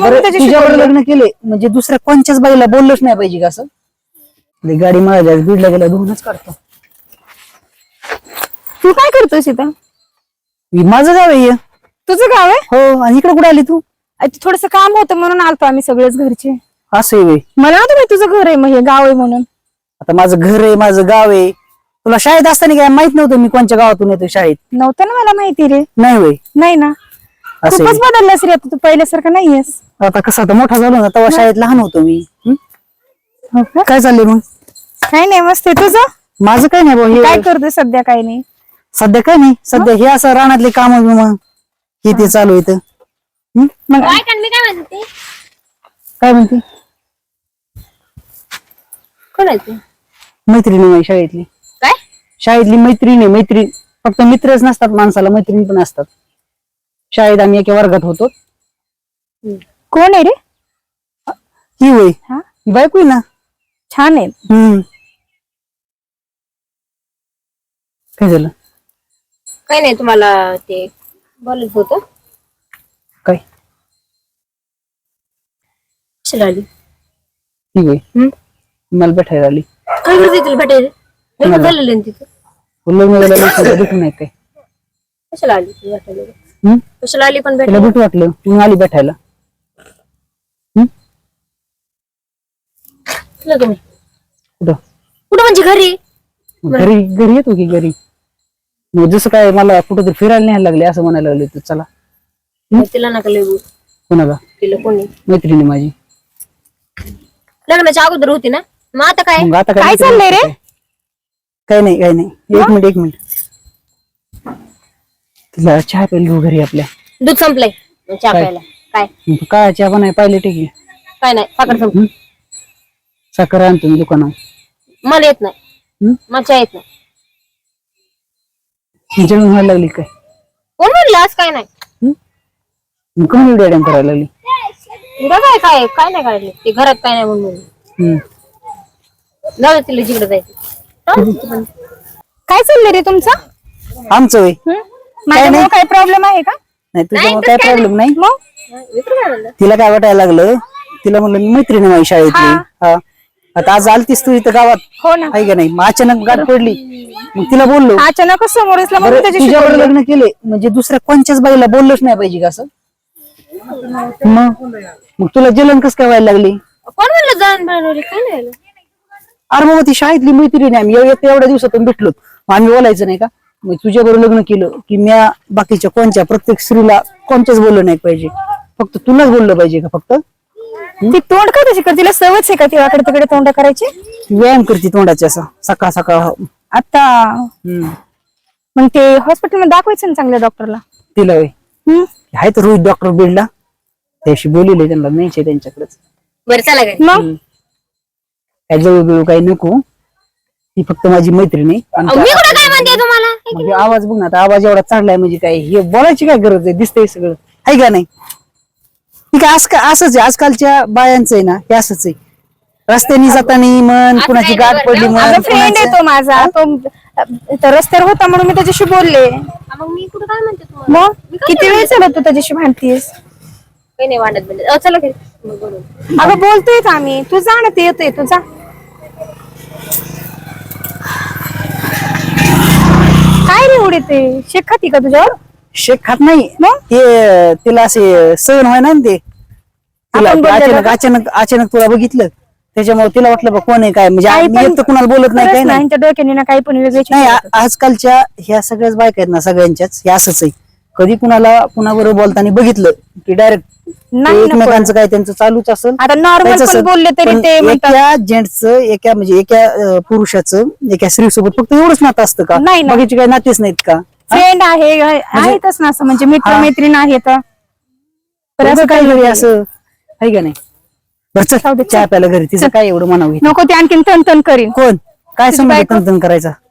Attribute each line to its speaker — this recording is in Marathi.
Speaker 1: म्हणून त्याच्याशी
Speaker 2: तुझ्यावर
Speaker 1: बोलले.
Speaker 2: लग्न केले म्हणजे दुसऱ्या कोणच्याच बाईला बोललोच नाही पाहिजे का असं? गाडी माझ्या बीडला गेला धुवूनच काढतो.
Speaker 1: तू काय करतोस इथं?
Speaker 2: माझं गाव आहे हे.
Speaker 1: तुझं गाव आहे?
Speaker 2: हो. आणि इकडे कुठे आली तू?
Speaker 1: थोडस काम होतं म्हणून आलतो आम्ही सगळेच घरचे.
Speaker 2: असं आहे व्हय.
Speaker 1: मला नव्हतं माहित तुझं घर आहे मग हे गाव आहे म्हणून.
Speaker 2: आता माझं घर आहे, माझं गाव आहे. तुला शाळेत असताना काय माहित नव्हतं मी कोणत्या गावातून येतो शाळेत?
Speaker 1: नव्हतं ना मला माहिती रे.
Speaker 2: नाही होय.
Speaker 1: नाही ना.
Speaker 2: असं
Speaker 1: खूपच बदललास रे आता, तू पहिल्यासारखं नाहीयेस.
Speaker 2: आता कसं आता मोठा झालो ना, तेव्हा शाळेत लहान होतो मी.
Speaker 1: हो का?
Speaker 2: काय चाललंय मग?
Speaker 1: काही नाही मस्त आहे. तुझं
Speaker 2: माझं काय नाही भाऊ.
Speaker 1: काय करतोय सध्या? काही नाही.
Speaker 2: सध्या काय नाही. सध्या हे असं रानातले काम मग हे ते चालू येतं.
Speaker 1: मग
Speaker 3: मी काय म्हणते
Speaker 2: काय म्हणते?
Speaker 3: कोण आहे ते?
Speaker 2: मैत्रिणी माझी शाळेतली.
Speaker 3: काय
Speaker 2: शाळेतली मैत्रीण आहे. मैत्रीण फक्त मित्रच नसतात माणसाला, मैत्रीण पण असतात. शाळेत आम्ही एका वर्गात होतो.
Speaker 1: कोण आहे रे?
Speaker 2: ही होय.
Speaker 1: हा?
Speaker 2: ही बायको आहे ना.
Speaker 1: छान आहे.
Speaker 2: काय झालं?
Speaker 3: काही नाही, तुम्हाला ते बोलत होतं.
Speaker 2: काय?
Speaker 3: कशाला आली?
Speaker 2: ही होय. मला भेटायला आली.
Speaker 3: काय करते तुला भेटायला? लग्न झालेलं आहे ना तिथं.
Speaker 2: लग्न झालं भेटून नाही काय?
Speaker 3: कशाला आली तुला भेटायला? कशाला आली पण
Speaker 2: तिला
Speaker 3: भेटायला?
Speaker 2: भेटू वाटलं मग आली भेटायला.
Speaker 3: तुम्ही
Speaker 2: कुठं?
Speaker 3: कुठं म्हणजे घरी?
Speaker 2: मग घरी येतो की घरी. मग जसं काय मला कुठं तरी फिरायला न्यायला लागले असं म्हणायला लागले तर चला.
Speaker 3: मग तिला नका लय बोलू.
Speaker 2: कोणाला?
Speaker 3: तिला कोणी
Speaker 2: मैत्रिणी माझी.
Speaker 3: लग्नाच्या अगोदर होती ना, मग आता काय?
Speaker 2: मग आता
Speaker 1: काय चाललंय रे?
Speaker 2: काय नाही काय नाही. एक मिनिट. तिला चहा प्यायला घेऊ घरी आपल्या.
Speaker 3: दूध संपलंय मग चहा प्यायला. काय
Speaker 2: काय चहा पण आहे पाहिले टेकी.
Speaker 3: काय नाही, साखर संपली.
Speaker 2: साखर आणतो मी दुकानावर.
Speaker 3: मला येत नाही. मला चहा येत नाही.
Speaker 2: जेवण व्हायला लागली काय?
Speaker 3: कोण म्हणलं आज? काय नाही.
Speaker 2: मग कमी एवढी अडम करायला लागली.
Speaker 3: तुला काय काय काय नाही काढले ते घरात, काय नाही म्हणून. जाऊ दे, तिला जिकडे जायचं.
Speaker 1: काय चाललंय रे तुमचं?
Speaker 2: आमचं वय
Speaker 1: माझ्यामुळे काय प्रॉब्लेम आहे का?
Speaker 2: नाही तुझ्यामुळे काय प्रॉब्लेम नाही.
Speaker 1: मग
Speaker 3: मित्र काय म्हणलं?
Speaker 2: तिला काय वाटायला लागलं, तिला म्हणलं मी मैत्रिणी माझी शाळेतली. हा. आता आज आलतीस तू इथं गावात
Speaker 1: हो ना.
Speaker 2: आहे का नाही? मग अचानक गाठ पडली. मग तिला बोललो,
Speaker 1: अचानक समोर असला म्हणून
Speaker 2: बरं,
Speaker 1: त्याच्याशी
Speaker 2: तुझ्यावर
Speaker 1: बोलले.
Speaker 2: लग्न केले म्हणजे दुसऱ्या कोणच्याच बाईला बोललोच नाही पाहिजे का असं? मग तुला जलन कस काय व्हायला लागली?
Speaker 3: कोण म्हणलं जाण बनवली? काय नाही आलं.
Speaker 2: अरे बाबा ती शाळेतली मैत्रिणी आम्ही एवढ्या दिवसातून भेटलो. मग आम्ही बोलायचं नाही का? मग तुझ्याबरोबर लग्न केलं की म्या बाकीच्या कोणत्या प्रत्येक स्त्रीला कोणत्याच बोललं नाही पाहिजे, फक्त तुलाच बोललं पाहिजे का फक्त?
Speaker 1: ती तोंड का तशी कर? तिला सवयच आहे का ती वाकडे तिकडे तोंड करायची?
Speaker 2: व्यायाम करते तोंडाचे असं सकाळ सकाळ.
Speaker 1: आता मग ते हॉस्पिटल मध्ये दाखवायचं ना चांगल्या डॉक्टरला.
Speaker 2: तिला आहे तर रोहित डॉक्टर बीडला, त्याशी बोलले त्यांना न्यायचे त्यांच्याकडेच.
Speaker 3: बरं चला घरी.
Speaker 1: मग
Speaker 2: काय जवळ बिळू काही नको, ती फक्त माझी मैत्रिणी.
Speaker 3: मी कुठं काय म्हणते तुम्हाला?
Speaker 2: म्हणजे आवाज बघ ना, आता आवाज एवढा चढलाय म्हणजे काय हे बोलायची काय गरज आहे? दिसतंय सगळं आहे का नाही? ठीक आहे. असंच आहे आजकालच्या बायांचं आहे ना, हे असंच आहे. रस्त्याने जाताना मन कुणाची गाठ पडली मन
Speaker 1: फ्रेंड आहे तो माझा, तो इथं रस्त्यावर होता म्हणून मी त्याच्याशी बोलले.
Speaker 3: मग मी कुठं काय म्हणते तुम्हाला?
Speaker 1: मग किती वेळ झाला तू त्याच्याशी भांडतीस?
Speaker 3: काही नाही वाटत म्हणजे. चला घरी मग बोलू.
Speaker 1: अगं बोलतोय आम्ही, तू जा ना, ते येतोय, तू जा. काय रे उडे ते शेक खाती का तुझ्यावर?
Speaker 2: शेक खात नाही. ते तिला असे सहन व्हाय ना ते. तिला अचानक तुला बघितलं त्याच्यामुळे तिला वाटलं बा कोण आहे काय, म्हणजे आम्ही येत कुणाला बोलत नाही काय नाही.
Speaker 1: डोक्याने ना काही पण वेगळीच
Speaker 2: नाही. आजकालच्या ह्या सगळ्याच बायका आहेत ना, सगळ्यांच्याच हे असंच आहे. कधी कुणाला कुणाबरोबर बोलताना बघितलं की डायरेक्ट एकमेकांचं काय त्यांचं चालूच असेल.
Speaker 1: आता नॉर्मल पण बोलले तरी ते
Speaker 2: एका जेंट्सचं एका पुरुषाचं एका स्त्री सोबत फक्त एवढंच नातं असतं का?
Speaker 1: नाही ना.
Speaker 2: बाकीचे काही नातेच नाहीत का?
Speaker 1: फ्रेंड आहेतच ना, असं म्हणजे मित्र मैत्रीण आहेत.
Speaker 2: तर असं काही घरी असं आहे का नाही? बरं चल चहा प्यायला घरी. तिचं काय एवढं म्हणावं?
Speaker 1: नको ते आणखीन तन करीन.
Speaker 2: कोण काय समजा तंतन करायचा?